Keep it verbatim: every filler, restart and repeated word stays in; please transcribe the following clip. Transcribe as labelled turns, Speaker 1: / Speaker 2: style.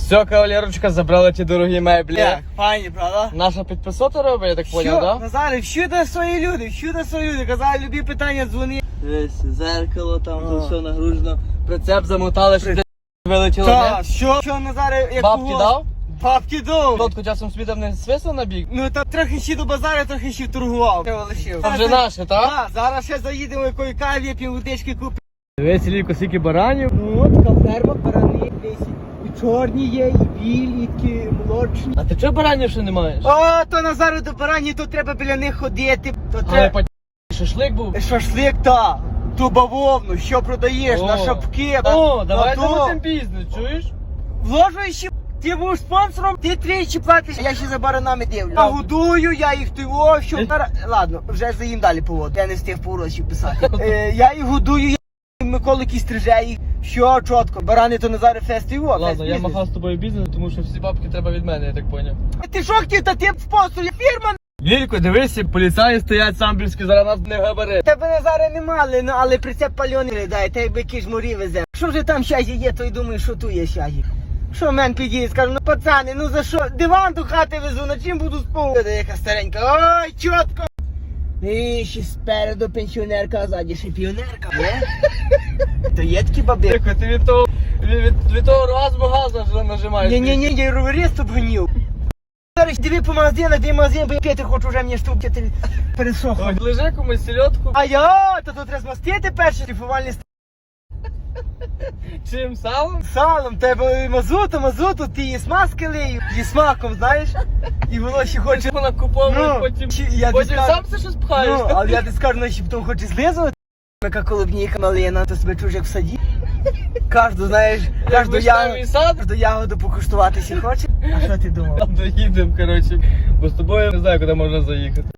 Speaker 1: Все, кавалерочка, забрала ті дорогі меблі.
Speaker 2: Як, файні, правда?
Speaker 1: Наша підписота робить, я так поняв,
Speaker 2: Що,
Speaker 1: да?
Speaker 2: Назаре, всюди свої люди, всюди свої люди. Казали, любі питання, дзвони.
Speaker 1: Дивись, зеркало там,
Speaker 2: О.
Speaker 1: тут все нагружено. Прицеп замотали, щоб вилетіло,
Speaker 2: Та,
Speaker 1: не?
Speaker 2: що, що, Назаре, як
Speaker 1: Бабки
Speaker 2: кого?
Speaker 1: дав?
Speaker 2: Бабки дав.
Speaker 1: Лодку часом собі там не свисав на бік?
Speaker 2: Ну, та трохи ще до базару, трохи ще торгував. Треба лишив.
Speaker 1: Це вже наше, так?
Speaker 2: Так, зараз ще заїдемо якої каві, півводички купимо.
Speaker 1: Дивись, Ліко, скільки баранів.
Speaker 2: Ну, от така ферма, барани, десь і чорні є, і білі, і такі молочні.
Speaker 1: А ти чого баранів ще не маєш?
Speaker 2: О, то Назару до барані, то треба біля них ходити. То
Speaker 1: Але
Speaker 2: треба
Speaker 1: по шашлик був.
Speaker 2: шашлик, та, ту бавовну, що продаєш,
Speaker 1: О.
Speaker 2: на шапки.
Speaker 1: О,
Speaker 2: на
Speaker 1: давай
Speaker 2: то.
Speaker 1: зробимо бізнес, чуєш?
Speaker 2: Вложуєш ще, ти будеш спонсором, ти тричі платиш, я ще за баранами дивлю. Я годую, я їх тиво, що... Ладно, вже заїм далі повод, я не встиг поворотів писати. Е, я їх годую, я Миколики стриже їх, що чітко, барани то Назаре фест його.
Speaker 1: Ладно, я махав з тобою бізнес, тому що всі бабки треба від мене, я так поняв.
Speaker 2: Ти що хотів, та ти спонсор, я фірма.
Speaker 1: Лілько, дивися, поліцаї стоять самбірські, зараз нас не габари.
Speaker 2: Тебе Назаре не мали, ну але прицеп пальоний не дай, та якби якийсь морі везе. Що вже там щастя є, то й думаю, що тут є щастя. Що мен підійде, скажу, ну пацани, ну за що? Диван до хати везу, на чим буду спав? Та яка старенька, ой, чітко. І ще спереду пенсіонерка, а ззаді ще піонерка, не? То є такі баби.
Speaker 1: Лілько, ти від того, від, від, від того оргазму газу вже нажимаєш.
Speaker 2: Ні-ні-ні, я роверист обгонів. Зараз диви по магазинах, де магазин, бо я п'яти хочу вже мені штуки пересохло.
Speaker 1: Ой, лежи комусь сільотку.
Speaker 2: А я, то тут треба змастити перші шліфувальні
Speaker 1: Чим салом?
Speaker 2: салом, тебе мазуту, мазуту, ти її смазки лию, зі смаком, знаєш, і воно ще хоче,
Speaker 1: Вона куповує,
Speaker 2: ну,
Speaker 1: потім,
Speaker 2: чи- я
Speaker 1: потім
Speaker 2: тобі
Speaker 1: сам все щось пхаєш.
Speaker 2: ну, але я тобі скажу, вона ще потім хоче злизувати, яка колобніка малина, то себе чужик в саді. Кожну, знаєш, кожну
Speaker 1: вишневий
Speaker 2: ягоду,
Speaker 1: сад.
Speaker 2: кожну ягоду покуштуватися хоче. А що ти думав?
Speaker 1: Доїдемо, коротше, бо з тобою не знаю, куди можна заїхати.